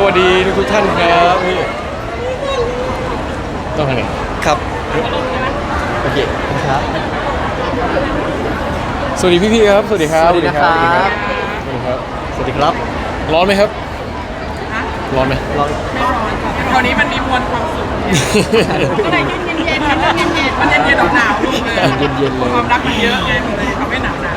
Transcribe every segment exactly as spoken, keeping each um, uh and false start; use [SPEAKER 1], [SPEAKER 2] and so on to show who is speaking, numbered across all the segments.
[SPEAKER 1] วัสดีทุกท่านครับนี่ต้องทำไง
[SPEAKER 2] ครับโอเคครับ
[SPEAKER 1] สวัสดีพี่ๆครับสวัสดีครับ
[SPEAKER 2] สวัสดีนะครับ
[SPEAKER 1] สวัสดีครับ
[SPEAKER 2] สวัสดีครับ
[SPEAKER 1] ร้อนไหมครับร้อนไหม
[SPEAKER 2] ร้อน
[SPEAKER 3] คราวนี้มันมีมวลความสุขก็เลยเย็นเย็นๆเย็นเย็นๆมันเย็นเย็นหนาวๆเลยเย็นเย็นเลยความรักมันเยอะไงมันเลยทำให้หนาวหนาว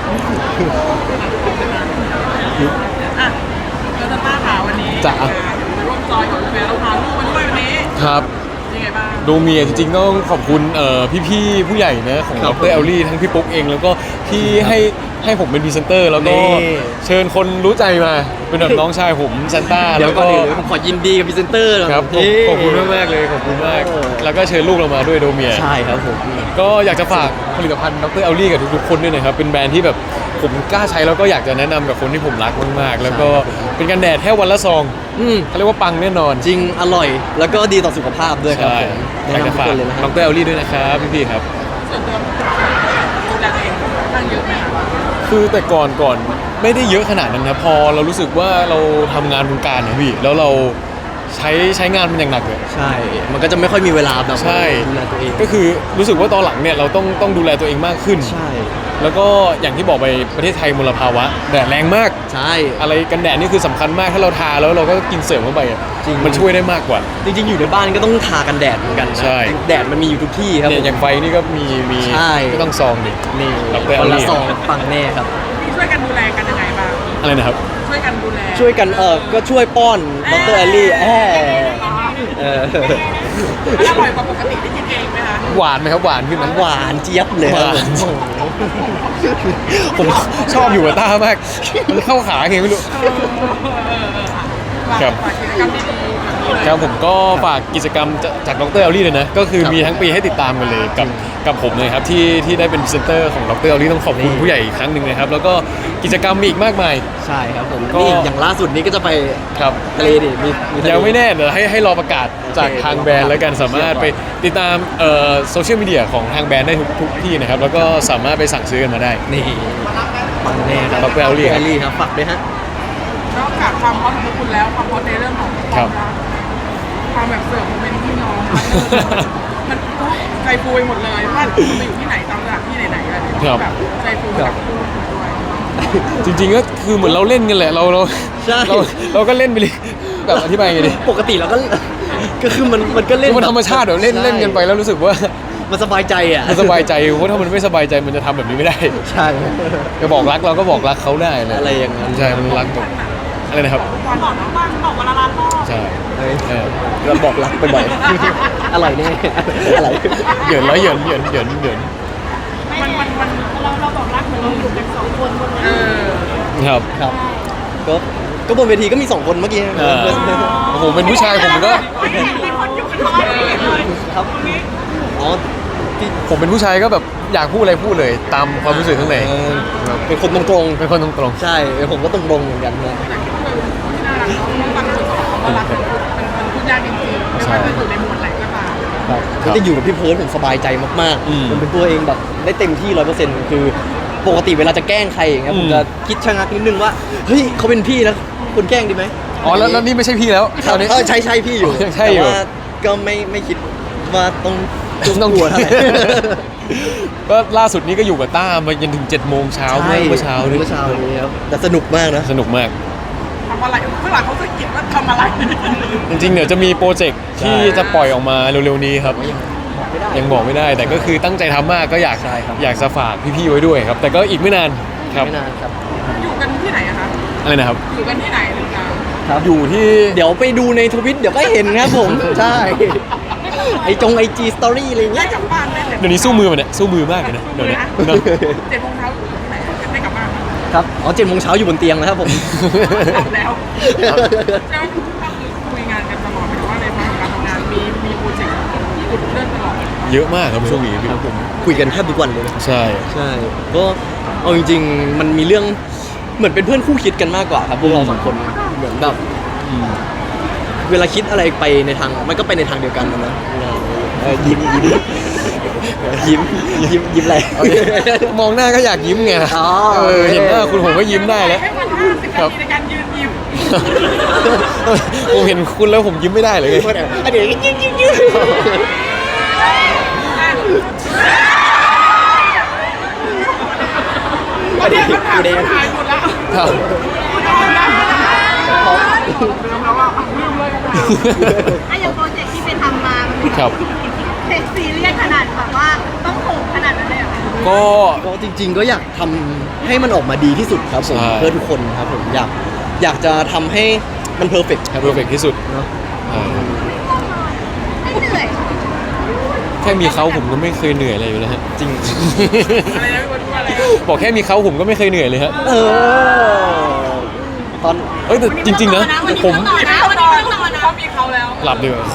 [SPEAKER 3] อ่ะแล้วจะป้าขาววันนี้จะร่วมจอยกับเบลล์พาลูกมาด้วยวันนี้
[SPEAKER 1] ครับ
[SPEAKER 3] ยังไงบ้าง
[SPEAKER 1] ดูเมียจริงๆต้องขอบคุณเอ่อพี่ๆผู้ใหญ่นะของดรแอลลี่ทั้งพี่ปุ๊กเองแล้วก็ที่ให้ให้ผมเป็นพรีเซนเตอร์แล้วก็เชิญคนรู้ใจมาเป็นแบบน้องชายผมซันต้าแล้วก็
[SPEAKER 2] ผมขอยินดีกับพรีเซนเตอร์
[SPEAKER 1] ครับขอบคุณมากๆเลยขอบคุณมากแล้วก็เชิญลูกเรามาด้วยโดเมีย
[SPEAKER 2] ใช่ครับผม
[SPEAKER 1] ก็อยากจะฝากผลิตภัณฑ์ดรแอลลี่กับทุกๆคนด้วยนะครับเป็นแบรนด์ที่แบบผมกล้าใช้แล้วก็อยากจะแนะนำกับคนที่ผมรักมากๆแล้วก็เป็นกันแดดแค่วันละซองเขาเรียกว่าปังแน่นอน
[SPEAKER 2] จริงอร่อยแล้วก็ดีต่อสุขภาพด้วยครับ
[SPEAKER 1] อยากจะฝากดรแอลลี่ด้วยนะครับพี่ๆครับ
[SPEAKER 3] ส่วนตัวดูแลเองตั้งเยอะไหมคะ
[SPEAKER 1] คือแต่ก่อนก่อนไม่ได้เยอะขนาดนั้นนะพอเรารู้สึกว่าเราทำงานวงการนะพี่แล้วเราใช้ใช้งานมันอย่างหนักเลย
[SPEAKER 2] ใช่มันก็จะไม่ค่อยมีเวลาแบบดูแลตัวเอง
[SPEAKER 1] ก็คือรู้สึกว่าตอนหลังเนี่ยเราต้องต้องดูแลตัวเองมากขึ้น
[SPEAKER 2] ใช่
[SPEAKER 1] แล้วก็อย่างที่บอกไปประเทศไทยมลภาวะแดดแรงมาก
[SPEAKER 2] ใช่
[SPEAKER 1] อะไรกันแดดนี่คือสำคัญมากถ้าเราทาแล้วเราก็กินเสริมเข้าไป
[SPEAKER 2] จริง
[SPEAKER 1] มันช่วยได้มากกว่า
[SPEAKER 2] จริงๆอยู่ในบ้านก็ต้องทากันแดดเหมือนกันนะแดดมันมีอยู่ทุกที่ครับ
[SPEAKER 1] เนี่ยอย่างไฟนี่ก็มีมีก็ต้องซองดิ
[SPEAKER 2] นี่คนละซองปังแน่ครับ
[SPEAKER 3] ช่วยกันดูแลกันยังไงบ้าง
[SPEAKER 1] อะไรนะครับ
[SPEAKER 3] ช่วยกันดูแล
[SPEAKER 2] ช่วยกันเออก็ช่วยป้อนดรแอลลี่แอบเออ
[SPEAKER 3] อร่อยกว่าปกติที่กินเองไหมคะ
[SPEAKER 1] หวานไหมครับหวานขึ้นไหม
[SPEAKER 2] หวานเจี๊ยบเลย
[SPEAKER 1] ผมชอบอยู่กับต้ามากมันเข้าขาไงไม่รู้ครับครับผมก็ฝากกิจกรรมจากดรแอลลี่เลยนะก็คือมีทั้งปีให้ติดตามกันเลยกับกับผมเลยครับที่ที่ได้เป็นพรีเซนเตอร์ของดรแอลลี่ต้องขอบคุณผู้ใหญ่อีกครั้งหนึ่งนะครับแล้วก็กิจกรรมมีอีกมากมาย
[SPEAKER 2] ใช่ครับผมก็อย่างล่าสุดนี้ก็จะไป
[SPEAKER 1] ครับ
[SPEAKER 2] ทะเลดิมี
[SPEAKER 1] ยังไม่แน่เดี๋ยวให้ให้รอประกาศจากทางแบรนด์แล้วกันสามารถไปติดตามเอ่อโซเชียลมีเดียของทางแบรนด์ได้ทุกทุกที่นะครับแล้วก็สามารถไปสั่งซื้อกันมาได้
[SPEAKER 2] นี่ปังแน่ครับ
[SPEAKER 1] ดรแอลลี่
[SPEAKER 2] ครับฝากด้วยฮะ
[SPEAKER 3] นอกจากความฮอตของคุณแล้วความฮอตในเรื่องของความรักความแบบเสิร์ฟโมเมนต์ที่น้องมันใจฟูไปหมดเลยว่าคุณไปอยู่ที่ไหนตามสถานที่ไหนๆอะไรแบบใจฟูกับคู่ด้วย
[SPEAKER 1] จริงๆก็คือเหมือนเราเล่นกันแหละเราเราเราเราก็เล่นไปเลยแบบอธิบายไงดี
[SPEAKER 2] ปกติเราก็ก็คือมันมันก็เล่น
[SPEAKER 1] มันธรรมชาติเดี๋ยวเล่นเล่นกันไปแล้วรู้สึกว่า
[SPEAKER 2] มันสบายใจอ่ะ
[SPEAKER 1] มันสบายใจเพราะถ้ามันไม่สบายใจมันจะทำแบบนี้ไม่ได้
[SPEAKER 2] ใช่
[SPEAKER 1] จะบอกรักเราก็บอกรักเขาได้
[SPEAKER 2] อะไรอย่างนั้น
[SPEAKER 1] ใช่มันรักแบบอะไรนะครับ
[SPEAKER 3] บอกน้องบ้างบอกเวลารักพ่อ
[SPEAKER 1] ใช่
[SPEAKER 2] เราบอกรักไปบ่อยอะไรแน่อะไร
[SPEAKER 1] เหยินแล้วเหยินเหยินเหยินเหยิน
[SPEAKER 3] มันมันมันเราเราบอกรักเหมือนเราอยู่กันสองคนบนเออ
[SPEAKER 1] ครับ
[SPEAKER 2] ครับก็ก็บนเวทีก็มีสองคนเมื่อกี้
[SPEAKER 1] โอ้โหเป็นผู้ชายผมก็
[SPEAKER 2] ครับอ๋อ
[SPEAKER 1] ผมเป็นผู้ชายก็แบบอยากพูดอะไรพูดเลยตามความรู้สึกข้างใน
[SPEAKER 2] เป็นคนตรง
[SPEAKER 1] ๆเป็นคนตรง
[SPEAKER 2] ๆใช่ผมก็ตรงๆเหมือนกันนะ
[SPEAKER 3] ก็รักเป็นเป็นพูดยากจริงๆไม่ว่าจะอยู่ในหมวดไหนก็ตาม
[SPEAKER 2] ครับก็จะอยู่กับพี่เพิร์ดผมสบายใจมากๆมันเป็นตัวเองแบบได้เต็มที่ร้อยเปอร์เซ็นต์คือปกติเวลาจะแกล้งใครอย่างเงี้ยผมจะคิดชะงักนิดนึงว่าเฮ้ยเขาเป็นพี่แล้วคุณแกล้งดีไหม
[SPEAKER 1] อ๋อแล้วแล้วนี่ไม่ใช่พี่แล้ว
[SPEAKER 2] ตอนนี้ใช่ใช่พี่อยู่
[SPEAKER 1] แต่
[SPEAKER 2] ว่าก็ไม่ไม่คิดว่าต้อง
[SPEAKER 1] ต้องกลัวเท่าไหร่ก็ล่าสุดนี้ก็อยู่กับต้ามาจนถึงเจ็ดโมงเช้าเมื่อเช้า
[SPEAKER 2] เมื่อเช้านี้ครับแต่สนุกมากนะ
[SPEAKER 1] สนุกมาก
[SPEAKER 3] ทำอะไรเมื่อไหร่เขาจะคิดว่าทำอะไร
[SPEAKER 1] จริงๆเดี๋ยวจะมีโปรเจกต์ที่จะปล่อยออกมาเร็วๆนี้ครับยังบอกไม่ได้แต่ก็คือตั้งใจทำมากก็อยากอยากจะฝากพี่ๆไว้ด้วยครับแต่ก็อีกไม่นานครับ
[SPEAKER 2] ไม่นานครับ
[SPEAKER 3] อยู่กันที่ไหนอะคะ
[SPEAKER 1] อะไรนะครับ
[SPEAKER 3] อยู่กันที่ไหนหรือเปล่า
[SPEAKER 1] ครับอยู่ที่
[SPEAKER 2] เดี๋ยวไปดูในทวิตเดี๋ยวก็เห็นครับผมใช่ไอจงไอจีสตอรี่อะไรเงี้ย
[SPEAKER 3] กลับบ้านได้
[SPEAKER 1] เดี๋ยวนี้สู้มือมันเนี่ยสู้มือมากเลยนะเดี๋ยวนี้
[SPEAKER 3] เจ็ดโมงเช้าอยู่ที่ไหนได้กลับบ้าน
[SPEAKER 2] ครับอ๋อเจ็ดโมงเช้าอยู่บนเตียงแล้วครับผม
[SPEAKER 3] แล้วแล้วก็คือคุยงานกันตลอดหมายถึงว่าในภายการทำงานมีมีโปรเจกต์ที่คุณเลื่อนตลอด
[SPEAKER 1] เยอะมากครับช่วงนี้
[SPEAKER 2] ครับผมคุยกันแทบทุกวันเลย
[SPEAKER 1] ใช่
[SPEAKER 2] ใช่ก็เอาจริงๆมันมีเรื่องเหมือนเป็นเพื่อนคู่คิดกันมากกว่าครับพวกเราสองคนเหมือนแบบเวลาคิดอะไรไปในทางมันก็ไปในทางเดียวกันนะยิ้มยิ้มยิ้มยิ้มยิ้มอะไร
[SPEAKER 1] มองหน้าก็อยากยิ้มไงเออเห็นหน้าคุณผมก็ยิ้มได้แล้ว
[SPEAKER 3] ให้มันห้าสิบนาทีในการยืนยิ้ม
[SPEAKER 1] ผมเห็นคุณแล้วผมยิ้มไม่ได้เลยไง
[SPEAKER 2] อันเดี๋ยวยิ้มยิ้มยิ้ม
[SPEAKER 3] วันนี้คำถามสุดท้ายหมดแล้ว
[SPEAKER 1] ครับ
[SPEAKER 3] ลืมแล้วว่าลืมเลยค่ะ
[SPEAKER 4] ไอ้อย่างโปรเจกต์ที่ไปทำมา
[SPEAKER 1] ครับ
[SPEAKER 4] เซ็กซีเรียสขนาดแบบว่าต้องโหดขนาดนั้นเลยเหรอคะ
[SPEAKER 1] ก็
[SPEAKER 2] ก็จริง ๆ ก็อยากทำให้มันออกมาดีที่สุดครับผม
[SPEAKER 1] ใช่
[SPEAKER 2] เพื่อทุกคนครับผมอยากอยากจะทำให้มันเพอร์เฟกต์ครับ
[SPEAKER 1] เพอร์เฟกที่สุด
[SPEAKER 2] เนาะ
[SPEAKER 1] อ่า
[SPEAKER 4] ไม่เหนื่อย
[SPEAKER 1] แค่มีเขาผมก็ไม่เคยเหนื่อยอะไรอยู่แล้วฮะ
[SPEAKER 2] จริง
[SPEAKER 3] อะไรนะพี่บอลพูดอะไร
[SPEAKER 1] บอกแค่มีเขาผมก็ไม่เคยเหนื่อยเลยฮะ
[SPEAKER 2] เออตอน
[SPEAKER 1] เอ้ยแต่จริง ๆ นะ ผม
[SPEAKER 4] ต่อนะวันนี้ต้องต่อนะ
[SPEAKER 3] เขามีเขาแล้ว
[SPEAKER 1] หลับดีกว่า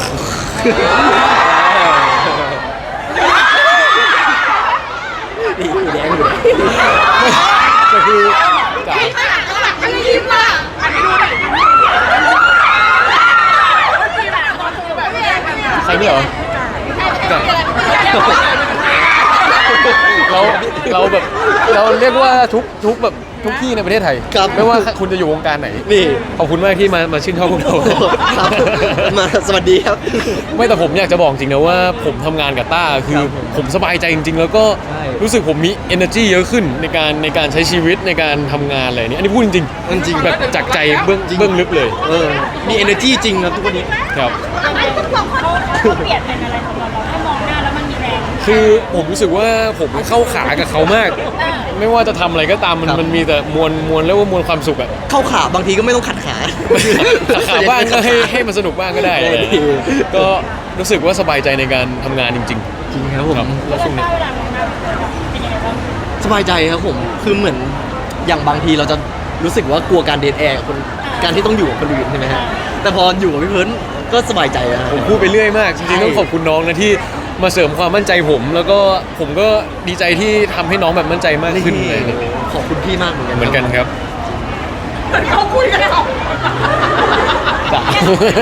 [SPEAKER 2] ดีแดงอยู่
[SPEAKER 1] ก็คือจ๋า
[SPEAKER 4] ข้างหลังข้างหลังไม่ได้ยิ้มอ่ะ
[SPEAKER 3] อันนี้ดูหน่อยเมื่อกี้แบบตอนคือแบบแยกกันอะ
[SPEAKER 1] ใครเนี่ยเหรอ
[SPEAKER 4] ใช่ไม่ได้เกิด
[SPEAKER 1] เราเราแบบเราเรียกว่าทุกทุกแบบทุกที่ในประเทศไทย
[SPEAKER 2] ครับ
[SPEAKER 1] ไม่ว่าคุณจะอยู่วงการไหน
[SPEAKER 2] นี่
[SPEAKER 1] ขอบคุณมากที่มามาชื่นชอบพวกเรา
[SPEAKER 2] ครับมาสวัสดีครับ
[SPEAKER 1] ไม่แต่ผมอยากจะบอกจริงนะว่าผมทำงานกับต้าคือ
[SPEAKER 2] ครับผม
[SPEAKER 1] ผมสบายใจจริง ๆ แล้วก็
[SPEAKER 2] ใช่
[SPEAKER 1] รู้สึกผมมี energy เยอะขึ้นในการในการใช้ชีวิตในการทำงานอะไรนี้อันนี้พูดจริง
[SPEAKER 2] จริง
[SPEAKER 1] ๆแบบจากใจเบื้องเบื้องลึกเลย
[SPEAKER 2] เออมี energy จริงครับทุกวันนี้
[SPEAKER 1] ครับ
[SPEAKER 4] ไอ้คุณสองคนเขาเปลี่ยนเป็นอะไรของเราเราแค่มองหน้าแล้วมันมีแรง
[SPEAKER 1] คือผมรู้สึกว่าผมเข้าขากับเขามาก ไม่ว่าจะทำอะไรก็ตามมัน
[SPEAKER 2] ครับ
[SPEAKER 1] มันมีแต่มวลมวลแล้วว่ามวลความสุขอะ
[SPEAKER 2] เข้าขาบางทีก็ไม่ต้องขัดขา
[SPEAKER 1] ขัดขาบ้างก็ให้ให้มันสนุกบ้างก็ได้
[SPEAKER 2] เออดี
[SPEAKER 1] ก็รู้สึกว่าสบายใจในการทำงานจริง
[SPEAKER 2] จริงครับผม
[SPEAKER 1] ครับ
[SPEAKER 2] แล้วช่วงนี้
[SPEAKER 4] เวลามองหน้าเป็นยังไงบ้าง
[SPEAKER 2] สบายใจครับผมคือเหมือนอย่างบางทีเราจะรู้สึกว่ากลัวการเดทแอร์กับคนการที่ต้องอยู่กับคนอื่นใช่ไหมฮะแต่พออยู่กับพี่เพิร์นก็สบายใจนะ
[SPEAKER 1] ๆ ผมพูดไปเรื่อยมาก จริงๆต้องขอบคุณน้องนะที่มาเสริมความมั่นใจผม แล้วก็ผมก็ดีใจที่ทำให้น้องแบบมั่นใจมากขึ้นเลย
[SPEAKER 2] ขอบคุณพี่มากเหมือนกัน
[SPEAKER 1] เหมือนกันครับ
[SPEAKER 3] เหมือนเขาคุยกันแล้ว
[SPEAKER 1] จ้ะ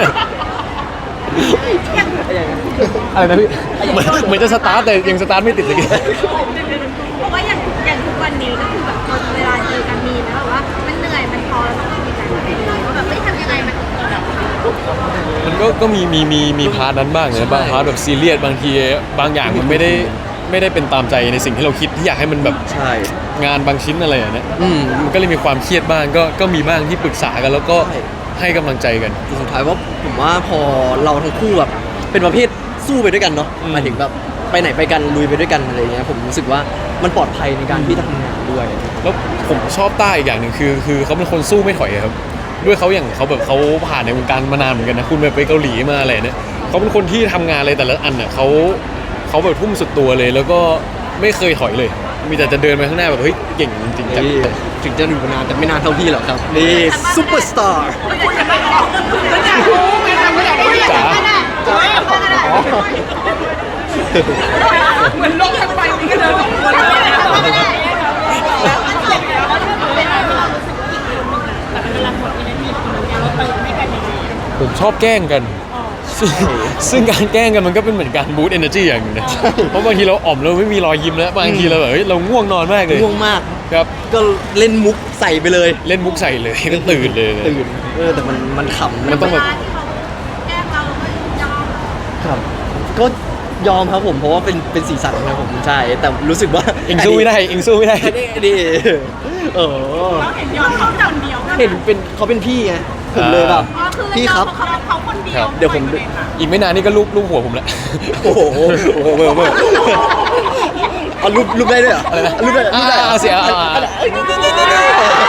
[SPEAKER 1] อะไรนะพี่เหมือนเหมือนจะสตาร์ทแต่ยังสตาร์ทไม่ติดเลย
[SPEAKER 4] เพราะว่าอย่างอย่างทุกวันนี้ก็คือแบบตอนเวลาเจอกันมีนะแบบว่ามันเหนื่อยมันพอแล้วต้องมีใจมาเป็นว่าแบบไม่ทำยังไงมันถึงจะแบบ
[SPEAKER 1] มันก็ก็มีมีมีมีพาร์ทนั้นบ้างนะบางพาร์ทแบบซีเรียสบางทีบางอย่างมันไม่ได้ไม่ได้เป็นตามใจในสิ่งที่เราคิดที่อยากให้มันแบบ
[SPEAKER 2] ใช่
[SPEAKER 1] งานบางชิ้นอะไรอย่างเนี้ย
[SPEAKER 2] อืม
[SPEAKER 1] มันก็เลยมีความเครียดบ้างก็ก็มีบ้างที่ปรึกษากันแล้วก็
[SPEAKER 2] ใช่
[SPEAKER 1] ให้กำลังใจกัน
[SPEAKER 2] สุดท้ายว่าผมว่าพอเราทั้งคู่แบบเป็นประเภทสู้ไปด้วยกันเนาะ
[SPEAKER 1] อืม
[SPEAKER 2] หมายถึงแบบไปไหนไปกันลุยไปด้วยกันอะไรเงี้ยผมรู้สึกว่ามันปลอดภัยในการที่จะทำงานด้วย
[SPEAKER 1] แล้วผมชอบต้าอีกอย่างหนึ่งคือ คือเขาเป็นคนสู้ไม่ถอยอะครับด้วยเขาอย่างเขาแบบเขาผ่านในวงการมานานเหมือนกันนะคุณแบบไปเกาหลีมาอะไรเนี่ยเขาเป็นคนที่ทำงานอะไรแต่ละอันน่ะเขาเขาแบบทุ่มสุดตัวเลย แล้วก็ไม่เคยถอยเลย มีแต่จะเดินไปข้างหน้าแบบเฮ้ยเก่งจริงๆจัง
[SPEAKER 2] นี่ถึงจะอยู่มานานแต่ไม่นานเท่าพี่หรอกครับนี่ซูเปอร์สตาร์
[SPEAKER 3] แล้วอยากรู้ไงทำก็อยากรู้อยาก
[SPEAKER 1] จ๋า
[SPEAKER 3] เหมือนโลกทั้งใบนี้ก็เดินสองคนเลยนะ
[SPEAKER 1] ผมชอบแกล้งกันซึ่งซึ่งการแกล้งกันมันก็เป็นเหมือนการบูสต์เอเนอร์จีอย่างหนึงนะเพราะบางทีเราอ่อมเราไม่มีรอยยิ้มแล้วบางทีเราแบบเฮ้ยเราง่วงนอนมากเลย
[SPEAKER 2] ง่วงมาก
[SPEAKER 1] ครับ
[SPEAKER 2] ก็เล่นมุกใส่ไปเลย
[SPEAKER 1] เล่นมุกใส่เลยก็ตื่นเลย
[SPEAKER 2] ตื่นเออแต่มันมันขำ
[SPEAKER 1] มันต้องแบบ
[SPEAKER 4] ที่เขาแกล้งเราเราก็ยอม
[SPEAKER 2] ครับก็ยอมครับผมเพราะว่าเป็นเป็นสีสันนะผมใช่แต่รู้สึกว่า
[SPEAKER 1] เองสู้ไม่ได้เองสู้ไม่ได้
[SPEAKER 2] อันนี้อันนี้เออ
[SPEAKER 3] เราเห็นยอมเขาจังเดียวกัน
[SPEAKER 2] เห็นเป็นเขาเป็นพี่ไงผมเลยแบบ
[SPEAKER 4] อ๋อคือ
[SPEAKER 2] พี่ครับ
[SPEAKER 4] เขาเขาคนเดียว
[SPEAKER 2] เดี๋ยวผม
[SPEAKER 1] อีกไม่นานนี่ก็ลูบลูบหัวผมแล้ว
[SPEAKER 2] โอ้โหโอ้โหเวอร์เวอร์เอารูปรูปได้ด้วยเหรอ
[SPEAKER 1] อะไรนะ
[SPEAKER 2] รูปได้รูปได้
[SPEAKER 1] อ่าเสียอ่าอ่า
[SPEAKER 2] เอ้ยนี่นี่นี่นี่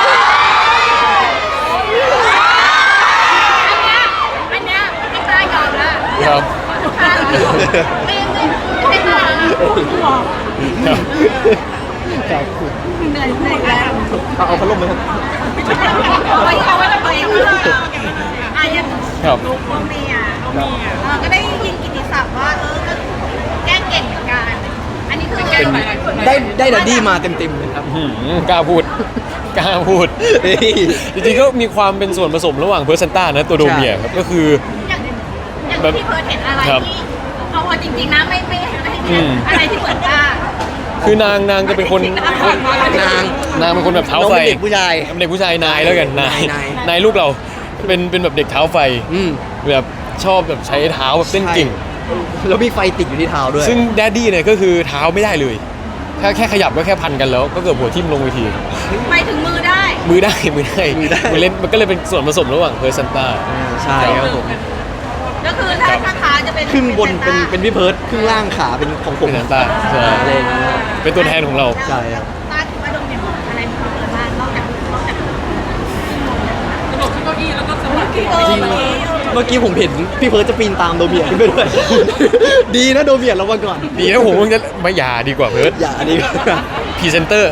[SPEAKER 4] อันเนี้ยไม่กล้ายอมละ
[SPEAKER 1] ครับ
[SPEAKER 4] ไม่ไม่ไม่กล้า
[SPEAKER 1] ครับ
[SPEAKER 2] ครับ
[SPEAKER 4] เหนื่อยเหนื่อยแล้ว
[SPEAKER 2] เอาเอาพัดลมไหมครับ
[SPEAKER 4] ไปเอาไว้ทำไมอ่ะยัง
[SPEAKER 1] ครับ
[SPEAKER 4] ลูกโมเมียโมเมียเออก็ได้ยินกิตติศัพท์ว่าเออก็แก้เก่งเหมือนกัน อันนี้คือแก้
[SPEAKER 1] เป็น
[SPEAKER 4] ไหน
[SPEAKER 2] ได้ได้ดัดดี้มาเต็มเต็มๆเลยครับ
[SPEAKER 1] อื้อหือกล้าพูดกล้าพูด
[SPEAKER 2] เฮ้ย
[SPEAKER 1] จริงๆก็มีความเป็นส่วนผสมระหว่างเพอร์เซนต้านะตัวโดเมียครับก็คือ
[SPEAKER 4] อย่างอย่างที่เพิร์ทเห็นอะไร
[SPEAKER 1] ครับ
[SPEAKER 4] ที่เอาจริงๆนะไม่ไม่ไม่
[SPEAKER 1] อืม
[SPEAKER 4] อะไรที่เหมือนป้า
[SPEAKER 1] คือนางนางจะเป็นคน
[SPEAKER 2] นาง
[SPEAKER 1] นางเป็นคนแบบเท้า
[SPEAKER 2] น้อง
[SPEAKER 1] ไฟ
[SPEAKER 2] เป็นเด็กผู้ชาย
[SPEAKER 1] เป็นเด็กผู้ชายนายแล้วกันนาย
[SPEAKER 2] นาย
[SPEAKER 1] นายลูกเราเป็นเป็นแบบเด็กเท้าไฟ
[SPEAKER 2] อืม
[SPEAKER 1] แบบชอบแบบใช้เท้าแบบเต้นเก่ง
[SPEAKER 2] แล้วมีไฟติดอยู่ที่เท้าด้วย
[SPEAKER 1] ซึ่งแดดดี้เนี่ยก็คือเท้าไม่ได้เลยแค่แค่ขยับก็แค่พันกันแล้ว ก็เกิดหัวทิ่มลงเวที
[SPEAKER 4] ไปถึงมือได้
[SPEAKER 1] มือได้มือได้
[SPEAKER 2] มือได้
[SPEAKER 1] มันเล่นมันก็เลยเป็นส่วนผสมระหว่างเพอร์ซันต้า
[SPEAKER 2] ใช่ครับผม
[SPEAKER 4] ก็คือถ้าถ้าขาจะเป็น
[SPEAKER 2] ครึ่งบนเป็นเป็นพี่เพิร์ดครึ่งล่างขาเป็นของผม
[SPEAKER 1] เป็นซันต้าใช่
[SPEAKER 2] อะไรอย่างเงี้ย
[SPEAKER 1] เป็นตัวแทนของเรา
[SPEAKER 2] ใช่ครับ
[SPEAKER 4] ตาคิดว่าโดมเนี่ยอะไรมีความสามารถนอกจากนอกจาก
[SPEAKER 3] กระโดดขึ้นเก้าอี้แล้วก็สะบัด
[SPEAKER 4] เออ
[SPEAKER 2] จริง
[SPEAKER 4] เมื่อกี้
[SPEAKER 2] เมื่อกี้ผมเห็นพี่เพิร์ดจะปีนตามโดเมียขึ้นไปด้วย ดีนะโดเมียระวังก่อน
[SPEAKER 1] ดีนะผมคงจะไม่อยาดีกว่าเพิร์ด
[SPEAKER 2] อย่าอันนี้
[SPEAKER 1] พรีเซนเตอร์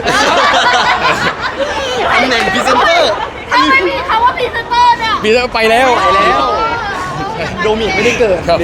[SPEAKER 2] ตำแหน่งพรีเซนเตอร์
[SPEAKER 4] ทำไมมีคำว่าพรีเซนเตอร์เนี่ย
[SPEAKER 1] พรีเซนเตอร์ไปแล้ว
[SPEAKER 2] ไปแล้ว โดเมียไม่ได้เกิด
[SPEAKER 1] ครับ
[SPEAKER 2] ดี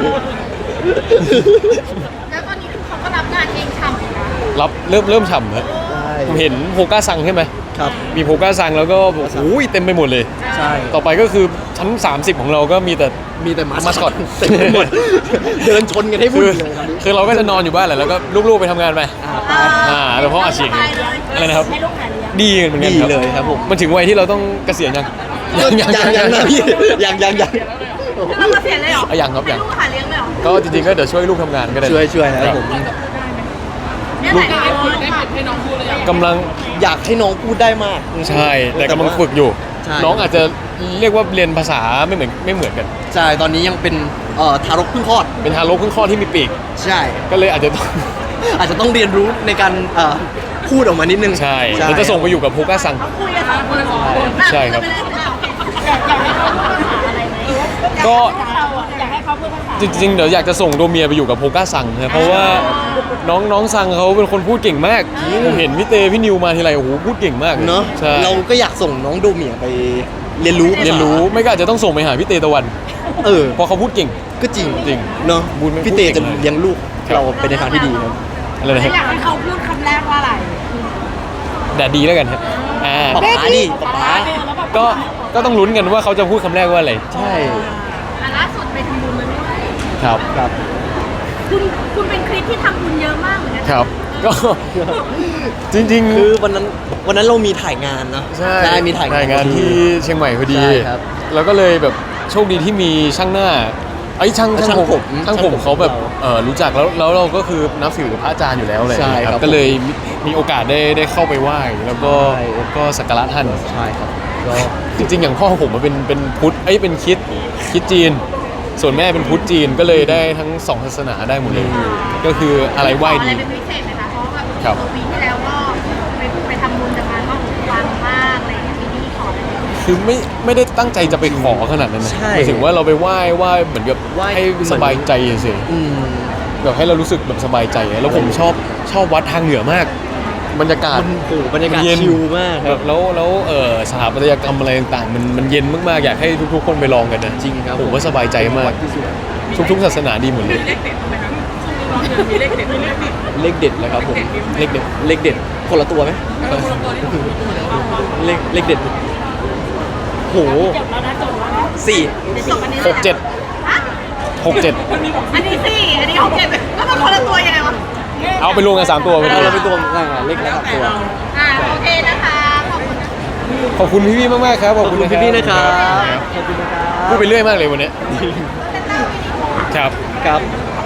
[SPEAKER 4] แล้วตอนนี้คือเขาก็รับงานเองฉ่ำอยู่นะ
[SPEAKER 1] รับเริ่มเริ่มฉ่ำฮะ
[SPEAKER 2] ใช่
[SPEAKER 1] ผมเห็นโพก้าซังใช่ไหม
[SPEAKER 2] ครับ
[SPEAKER 1] มีโพก้าซังแล้วก็โอ้ยเต็มไปหมดเลย
[SPEAKER 2] ใช่
[SPEAKER 1] ต่อไปก็คือชั้น สามสิบ ของเราก็มีแต่
[SPEAKER 2] มีแต่มา
[SPEAKER 1] มาสคอต
[SPEAKER 2] เต็มไปหมด เดินชนกันให้วุ่
[SPEAKER 1] คื
[SPEAKER 2] น
[SPEAKER 1] อ
[SPEAKER 2] เลยตอนนี้
[SPEAKER 1] คือเราก็จะนอนอยู่บ้านแหละแล้วก็ลูกๆไปทำงานไป
[SPEAKER 2] อ่าไป
[SPEAKER 1] อ่าแล้วพ่ออาชีพ
[SPEAKER 4] สบายเลย
[SPEAKER 1] อะไรนะครับ
[SPEAKER 4] ให้ลูกหาเลี้ยง
[SPEAKER 1] ดีเหมือนกัน
[SPEAKER 2] ดี
[SPEAKER 1] ครับ
[SPEAKER 2] เลยครับผม
[SPEAKER 1] มันถึงวัยที่เราต้องเกษียณยัง
[SPEAKER 2] ยังยังยังนะพี่ยังยังยัง
[SPEAKER 4] คือเราเกษียณเลยเหรอ
[SPEAKER 1] อ่ะยังครับยัง
[SPEAKER 4] ให้ลูกหาเลี้ยงเลยเหรอ
[SPEAKER 1] ก็จริงๆก็เดี๋ยวช่วยลูกทำงานก็ได้
[SPEAKER 2] ช่วยช่วยนะครับผม
[SPEAKER 4] เนี่ยแหละ
[SPEAKER 3] ได้พูดได้ให้น้องพูดเลยอ่ะ
[SPEAKER 1] กำลัง
[SPEAKER 2] อยากให้น้องพูดได้มาก
[SPEAKER 1] ใช่แต่กำลังฝึกอยู่
[SPEAKER 2] ใช่
[SPEAKER 1] น้องอาจจะเรียกว่าเรียนภาษาไม่เหมือนไม่เหมือนกัน
[SPEAKER 2] ใช่ตอนนี้ยังเป็นเอ่อทารกเพิ่งคลอด
[SPEAKER 1] เป็นทารกเพิ่งคลอดที่มีปีก
[SPEAKER 2] ใช่
[SPEAKER 1] ก็เลยอาจจะต้อง
[SPEAKER 2] อาจจะต้องเรียนรู้ในการเอ่อพูดออกมานิดนึง
[SPEAKER 1] ใช่เราจะส่งไปอยู่กับโพก้าซัง
[SPEAKER 4] เขาคุยกันสองคนสองคน
[SPEAKER 1] ใช่ครับ
[SPEAKER 4] อยากอยากให้เขาพูดภาษาอะไรไหม
[SPEAKER 1] ก็
[SPEAKER 4] อยากให้เขาพูดภาษา
[SPEAKER 1] จริงๆ เดี๋ยวอยากจะส่งโดเมียไปอยู่กับโพก้าซังนะเพราะว่าน้องน้องซังเขาเป็นคนพูดเก่งมากผมเห็นพี่เตพี่นิวมาทีไรโอ้โหพูดเก่งมากลย
[SPEAKER 2] เนาะ
[SPEAKER 1] ใช่
[SPEAKER 2] เราก็อยากส่งน้องโดเมียไปเรียนรู้
[SPEAKER 1] เรียนรู้ไม่ก็อาจจะต้องส่งไปหาพี่เตตะวัน
[SPEAKER 2] เออ
[SPEAKER 1] เพราะเขาพูดเก่ง
[SPEAKER 2] ก็จริง
[SPEAKER 1] จริง
[SPEAKER 2] เนาะ
[SPEAKER 1] บุญไม่
[SPEAKER 2] พี่เต
[SPEAKER 1] พูดเก่
[SPEAKER 2] จะ
[SPEAKER 1] งเลย
[SPEAKER 2] เลี้ยงลูก
[SPEAKER 1] ครับ
[SPEAKER 2] เราไปในทางที่ดีครับ
[SPEAKER 1] อะไรนะฮะ
[SPEAKER 4] อยากให้เขาพูดคำแรกว่าอะไร
[SPEAKER 1] แดดดีแล้วกันฮะอ่า
[SPEAKER 2] ป๊าป๊าดิป๊าป๊า
[SPEAKER 1] ก็ก็ต้องลุ้นกันว่าเขาจะพูดคำแรกว่าอะไร
[SPEAKER 2] ใช่
[SPEAKER 4] อ่ะล่าสุดไปทำบุญมาด้วย
[SPEAKER 1] ครับ
[SPEAKER 2] ครับ
[SPEAKER 4] คุณคุณเป็นคลิปที่ทำบุญเยอะมากเหมือนกัน
[SPEAKER 1] ครับ ก็ จริงๆ
[SPEAKER 2] คือวันนั้นวันนั้นเรามีถ่ายงานเนาะ
[SPEAKER 1] ใช่
[SPEAKER 2] มีถ่ายงาน
[SPEAKER 1] งานที่เชียงใหม่พอดี
[SPEAKER 2] ใช่ครับ
[SPEAKER 1] แล้วก็เลยแบบโชคดีที่มีช่างหน้าไอ้ยช่าง
[SPEAKER 2] ช่างผม
[SPEAKER 1] ช่างผม
[SPEAKER 2] ช่างผม
[SPEAKER 1] เขาแบบ
[SPEAKER 2] เรา
[SPEAKER 1] เออรู้จักแล้วแล้วเราก็คือนับถือพระอาจารย์อยู่แล้วเลย
[SPEAKER 2] ใช่ครับ
[SPEAKER 1] ก็เลยมีมีโอกาสได้ได้เข้าไปไหว้แล้วก็
[SPEAKER 2] ใช่
[SPEAKER 1] ก็สักการะท่าน
[SPEAKER 2] ใช่ครับก็
[SPEAKER 1] จริงๆ อย่างพ่อผมมันเป็นเป็นพุทธเอ้ยเป็นคริดคริดจีน ส่วนแม่เป็นพุทธจีนก็เลยได้ทั้งสองศาสนาได้หมดเลย ก็คืออะไรไหว้
[SPEAKER 4] ขอ
[SPEAKER 1] ดี
[SPEAKER 4] อะไรเป็นพิเศษไหมคะเพราะว่าแบบ
[SPEAKER 1] ครับ
[SPEAKER 4] ปีที่แล้วก็ไปไปทำบุญจากงานก็ปังมากอะไรอย่างเงี้ยปีนี้ขออะไรไหม
[SPEAKER 1] คือไม่ไม่ได้ตั้งใจจะไปขอขนาดนั้นนะ
[SPEAKER 2] ใช่
[SPEAKER 1] หมายถึงว่าเราไปไหว้ไหว้เหมือนกับ
[SPEAKER 2] ไหว้
[SPEAKER 1] ให้สบายใจเฉย
[SPEAKER 2] อืม
[SPEAKER 1] ๆแบบให้เรารู้สึกแบบสบายใจอะแล้วผมชอบชอบวัดทางเหนือมาก บรรยากาศ
[SPEAKER 2] มันโอ้โหบรรยากาศ
[SPEAKER 1] เย็น
[SPEAKER 2] ชิลมากค
[SPEAKER 1] แบ
[SPEAKER 2] รับบ
[SPEAKER 1] แล้วแล้วเออสถาปัตยกรรมอะไรต่างๆมันมันเย็นมากๆอยากให้ทุกๆ คนไปลองกันนะ
[SPEAKER 2] จริงครับ
[SPEAKER 1] ผมว่าสบายใจมาก
[SPEAKER 2] ที่สุด
[SPEAKER 1] ทุกๆศาสนาดีหมดเลย
[SPEAKER 3] มีเลขเด็ดไหมครับช่วงนี้น้องเดือนมีเลขเด็ดมีเลขเด็ด
[SPEAKER 2] เลขเด็ดเลยครับผม
[SPEAKER 1] เล็กเด็ก
[SPEAKER 2] เลขเด็ดคนละตัวไหม
[SPEAKER 3] เออคนละตัวที่ถูกตัวแล้วเอาเอา
[SPEAKER 2] เลขเลขเด็ดโห
[SPEAKER 4] จบแล้วนะจบแล้วนะ
[SPEAKER 2] สี่
[SPEAKER 4] เดี๋ยวจบอันนี้
[SPEAKER 1] หกเจ็ด
[SPEAKER 4] ฮะ
[SPEAKER 1] หกเจ็ด
[SPEAKER 4] อันนี้สี่อันนี้หกเจ็ดแล้วมันคนละตัวยังไงวะ
[SPEAKER 1] เอาไปรวมกันสามตัวไป
[SPEAKER 2] เอา
[SPEAKER 1] เลย
[SPEAKER 2] เราไปตัวอ่าเลขละสามตัว
[SPEAKER 4] อ่าโอเคนะคะขอบคุณนะ
[SPEAKER 1] ขอบคุณพี่ๆมากๆครับ
[SPEAKER 2] ขอบคุณพี่ๆนะครับขอบคุณนะครับ
[SPEAKER 1] พูดไปเรื่อยมากเลยวันนี้ครับ
[SPEAKER 2] ครับ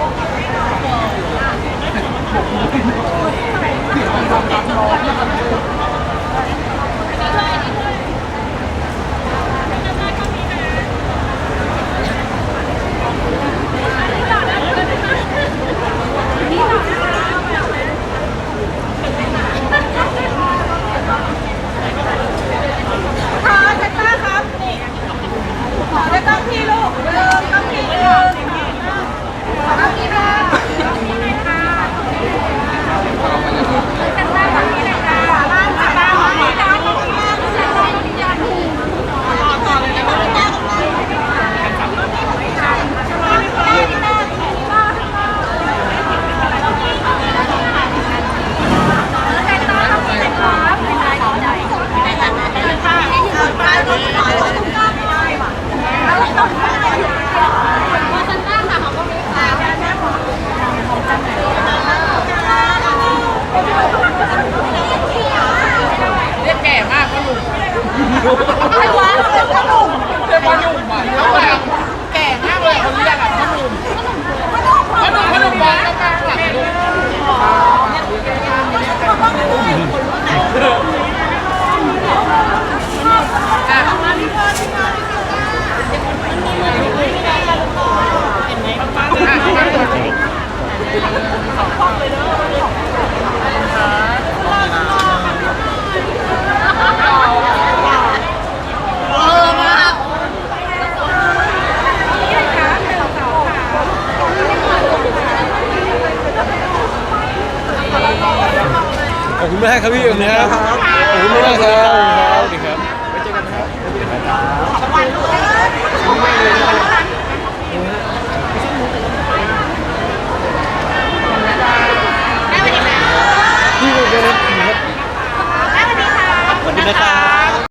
[SPEAKER 4] ขอเซนต้าครับนี่ขอได้ต้องพี่ลูกเดิมต้องพี่เดิมขอต้องพี่ค่ะเซนต้าต้องพี่เลยค่ะล่างค่ะ
[SPEAKER 1] ครับพี่ขอบคุณครับขอบคุณมากครับขอบคุณครับสวัสดีครับ
[SPEAKER 2] ไว้เจอกันนะครับ
[SPEAKER 4] ขอบคุณแม่สวัสดีค่ะ
[SPEAKER 1] พี่ขอบคุณครับ
[SPEAKER 4] แม่สวัสดีค่ะ
[SPEAKER 2] สวัสดีนะครับ